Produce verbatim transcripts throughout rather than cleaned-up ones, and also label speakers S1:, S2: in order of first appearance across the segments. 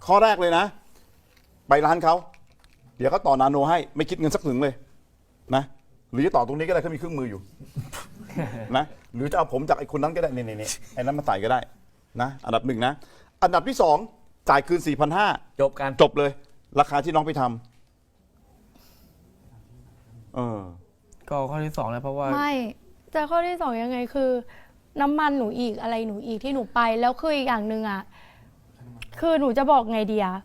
S1: ข้อแรกเลยนะ ไปร้านเขาเดี๋ยวเขาต่อนาโนให้ไม่คิดเงินสักถึงเลยนะหรือจะต่อตรงนี้ก็ได้เขามีเครื่องมืออยู่ นะหรือจะเอาผมจากไอ้คนนั้นก็ได้นี่นี่ไอ้นั้นมาใส่ก็ได้นะอันดับหนึ่งนะอันดับที่สองจ่ายคืน สี่พันห้าร้อย
S2: จบกัน
S1: จบเลยราคาที่น้องไปทำเออ
S3: ก็ข้อที่สองเลยเพราะว่า
S4: ไม่แต่ข้อที่สองยังไงคือ น้ำมันหนูอีกอะไรหนูอีกที่หนูไปแล้วคืออีกอย่างหนึ่งอ่ะคือหนูจะบอกไงดีอะ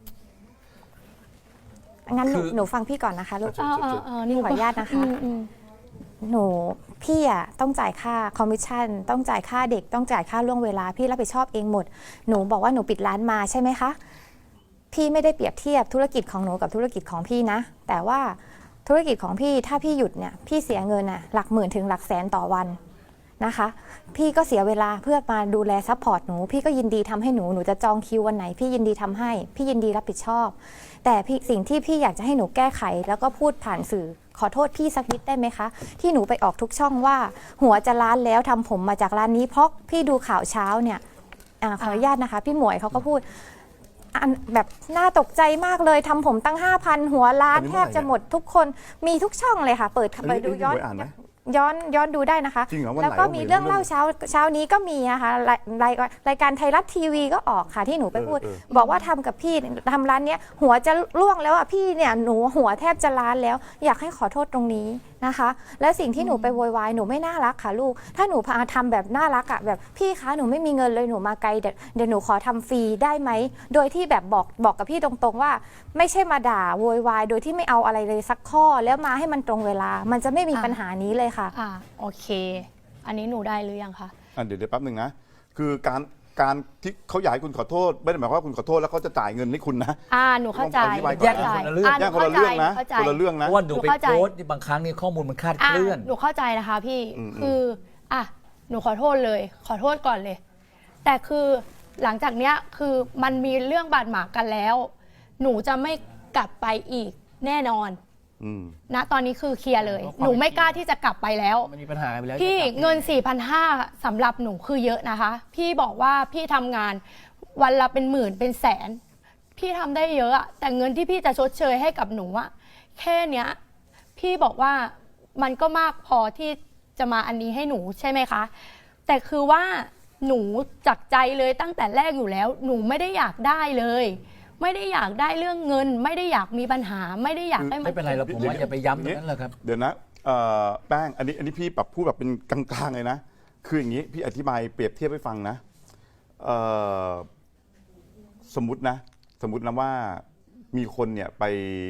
S5: งั้นหนู
S2: คือ
S5: หนูฟังพี่ก่อนนะคะลูก
S4: เออเออเออนี่
S5: ขออนุญาตนะคะ
S4: อืมอืม
S5: หนูพี่อ่ะต้องจ่ายค่าคอมมิชชั่นต้องจ่ายค่าเด็กต้องจ่ายค่าล่วงเวลาพี่รับผิดชอบเองหมด หนูบอกว่าหนูปิดร้านมาใช่ไหมคะพี่ไม่ได้เปรียบเทียบธุรกิจของหนูกับธุรกิจของพี่นะ แต่ว่าธุรกิจของพี่ถ้าพี่หยุดเนี่ยพี่เสียเงินอ่ะหลักหมื่นถึงหลักแสนต่อวันนะคะ พี่ก็เสียเวลาเพื่อมาดูแลซัพพอร์ตหนูพี่ก็ยินดีทำให้หนูหนูจะจองคิววันไหน พี่ยินดีทำให้พี่ยินดีรับผิดชอบ แต่พี่สิ่งที่พี่อยากจะให้หนูแก้ไข แล้วก็พูดผ่านสื่อขอโทษพี่สักนิดได้ไหมคะ ที่หนูไปออกทุกช่องว่า หัวจะล้านแล้วทำผมมาจากร้านนี้เพราะพี่ดูข่าวเช้าเนี่ยอาขออนุญาตนะคะ พี่หมวยเขาก็พูดอันแบบน่าตกใจมากเลยทำผมตั้ง ห้าพัน หัวล้าน
S1: อันนี้
S5: แท
S1: เมื่อไหร่
S5: บจะหมดทุกคนมีทุกช่องเลยค่ะ เปิด
S1: อัน
S5: ไป
S1: นี้
S5: ดู
S1: พี่
S5: ย้อน
S1: หมวยอ่านไหม
S5: ย้อนย้อนดูได้นะคะ
S1: จริงเหรอวันไหน
S5: แล้วก็
S1: วะ
S5: มี
S1: หมวย
S5: เรื่อง
S1: รู้เรื่อง
S5: เล่าเช้าเช้านี้ก็มีนะคะรายรายรายการไทยรัฐทีวีก็ออกค่ะที่หนูไปพูด
S1: เออเออ
S5: บอกว่าทำกับพี่ทำร้านเนี้ยหัวจะล่วงแล้วอ่ะพี่เนี่ยหนูหัวแทบจะล้านแล้ว อยากให้ขอโทษตรงนี้นะคะ และสิ่งที่หนูไปโวยวายหนูไม่น่ารักค่ะลูก ถ้าหนูพาทำแบบน่ารักอ่ะแบบพี่คะหนูไม่มีเงินเลยหนูมาไกลเดี๋ยวเดี๋ยวหนูขอทำฟรีได้ไหมโดยที่แบบบอกบอกกับพี่ตรงๆว่า ไม่ใช่มาด่าโวยวายโดยที่ไม่เอาอะไรเลยสักข้อแล้วมาให้มันตรงเวลา มันจะไม่มีปัญหานี้เลยค่ะ
S4: อ่าโอเค อันนี้หนูได้หรือยังคะ
S1: อ่ะเดี๋ยวเดี๋ยวแป๊บหนึ่งนะคือการการที่เขาอยากให้คุณขอโทษไม่ได้หมายความว่าคุณขอโทษแล้วเขาจะจ่ายเงินให้คุณนะ
S4: อ่าหนูเข้าใจ
S1: ต้องอธิบายก่อน
S2: แยกกันคนละเรื่อง
S4: อ่าห
S1: แย
S4: นู
S1: กคนละเรื่องนะ
S4: เข้าใจ
S1: คนละเรื่อง
S2: เพ
S1: นะ
S2: ราะว่าหนูไป
S4: หนูเข้าใจ
S2: โพสต์บางครั้งนี่ข้อมูลมันคลาด
S4: อ่ะ
S2: เคลื่อน
S4: หนูเข้าใจนะคะพี่
S1: อืม
S4: คืออ่ะหนูขอโทษเลย ขอโทษก่อนเลย แต่คือหลังจากเนี้ยคือมันมีเรื่องบาดหมางกันแล้ว หนูจะไม่กลับไปอีกแน่นอน
S1: อืม
S4: ณตอนนี้คือเคลียร์เลย
S3: เพราะความ
S4: หนูไม่กล้าที่จะกลับไปแล้ว
S3: มันมีปัญหากันไปแล้ว
S4: พี่
S3: จะกลับ
S4: เงิน สี่พันห้าร้อย สำหรับหนูคือเยอะนะคะ พี่บอกว่าพี่ทำงานวันละเป็นหมื่นเป็นแสน พี่ทำได้เยอะอะแต่เงินที่พี่จะชดเชยให้กับหนูอะแค่เนี้ย พี่บอกว่ามันก็มากพอที่จะมาอันนี้ให้หนูใช่ไหมคะ แต่คือว่าหนูจากใจเลยตั้งแต่แรกอยู่แล้ว หนูไม่ได้อยากได้เลย ไม่ได้อยากได้เรื่องเงิน ไม่ได้อยากมีปัญหา ไม่ได้อยากให้มั
S2: ไม่เป็นไรเราผมว่าอย่าไปย้ำตรงนั้นเลยครับ
S1: เดี๋ยวนะเอ่อแป้งอันนี้อันนี้พี่แบบพูดแบบเป็นกลางๆเลยนะ คืออย่างนี้พี่อธิบายเปรียบเทียบให้ฟังนะเอ่อสมมตินะ สมมตินะว่ามีคนเนี่ยไป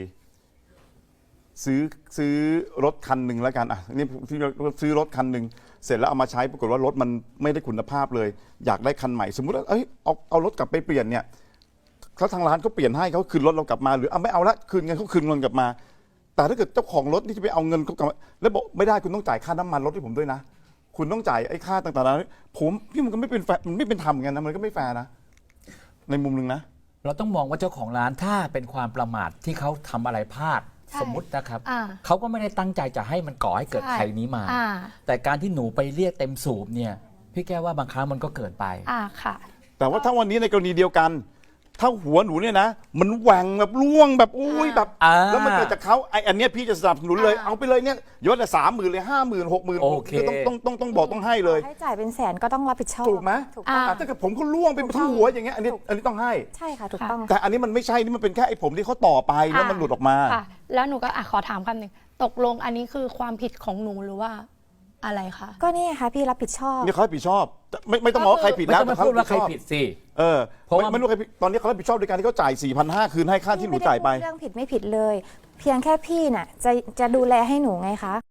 S1: ซื้อซื้อรถคันหนึ่งแล้วกันอ่ะนี่พี่ซื้อรถคันหนึ่งเสร็จแล้วเอามาใช้ปรากฏว่ารถมันไม่ได้คุณภาพเลย อยากได้คันใหม่ สมมติว่าเอ้ยเอาเอารถกลับไปเปลี่ยนเนี่ยเขาทางร้านเขาเปลี่ยนให้เขาคืนรถเรากลับมาหรือเอาไม่เอาละคืนเงินเขาคืนเงินกลับมา แต่ถ้าเกิดเจ้าของรถนี่จะไปเอาเงินเขากลับมาแล้วบอกไม่ได้คุณต้องจ่ายค่าน้ำมันรถให้ผมด้วยนะ คุณต้องจ่ายไอ้ค่าต่างๆนั้นผมพี่มันก็ไม่เป็นแฟร์มันไม่เป็นธรรมเหมือนกันนะมันก็ไม่แฟร์นะในมุมหนึ่งนะ
S2: เราต้องมองว่าเจ้าของร้านถ้าเป็นความประมาทที่เขาทำอะไรพลาด
S4: ใช่
S2: สมมุตินะครับ
S4: อ่า
S2: เขาก็ไม่ได้ตั้งใจจะให้มันก่อให้เกิด
S4: ใช่
S2: ภัยนี้มา
S4: อ่า
S2: แต่การที่หนูไปเรียกเต็มสูบเนี่ยพี่แก้ว่าบางครั้งมันก็เกินไป
S4: อ่าค่ะ
S1: แต่ว่าถ้าวันนี้ในกรณีเดียวกัน ถ้าหัวหนูเนี่ยนะมันแหว่งแบบล่วงแบบอุ้ยแบบ
S2: อ่า
S1: แล้วมันเกิดจากเขาไอ้อันเนี้ยพี่จะสนับสนุนเลย
S4: อ่า
S1: เอาไปเลยเนี่ยยศละสามหมื่นเลยห้าหมื่นหกหมื่น
S2: โอเค
S1: ต้องต้องต้องต้องบอกต้องให้เลย
S5: ให้จ่ายเป็นแสนก็ต้องรับผิดชอบ
S1: ถูกไหม
S5: ถูกต้อง
S1: อ่ะถ้าเกิดผมเขาล่วงไปทั้งหัวอย่างเงี้ยอันนี้อันนี้ต้องให้
S5: ใช่ค่ะถูกต้อง
S1: แต่อันนี้มันไม่ใช่นี่มันเป็นแค่ไอ้ผมที่เขาต่อไปแล้วมันหลุดออกมา
S4: ค่ะ แล้วหนูก็อ่ะขอถามคำหนึ่งตกลงอันนี้คือความผิดของหนูหรือว่าอะไรคะ
S5: ก็นี่ค่ะพี่รับผิดชอบ
S1: นี่เขารับผิดชอบไม่ไม่ต้องบอกว่าใครผิด
S2: ไม่
S1: นะ
S2: ต้องมาพูดว่าใคร
S1: รับ
S2: ผิ
S1: ช
S2: ด
S1: อบ
S2: สิ
S1: เออ
S2: เพราะว่า
S1: ไม่ไม่รู้ใครผิดตอนนี้เขารับผิดชอบโดยการที่เขาจ่าย สี่พันห้าร้อย คืนให้ค่าที่หนูจ่ายไป
S5: พี่ม่ด้พูดเรื่องผิดไม่ผิดเลย เพียงแค่พี่น่ะจะจะดูแลให้หนูไงคะ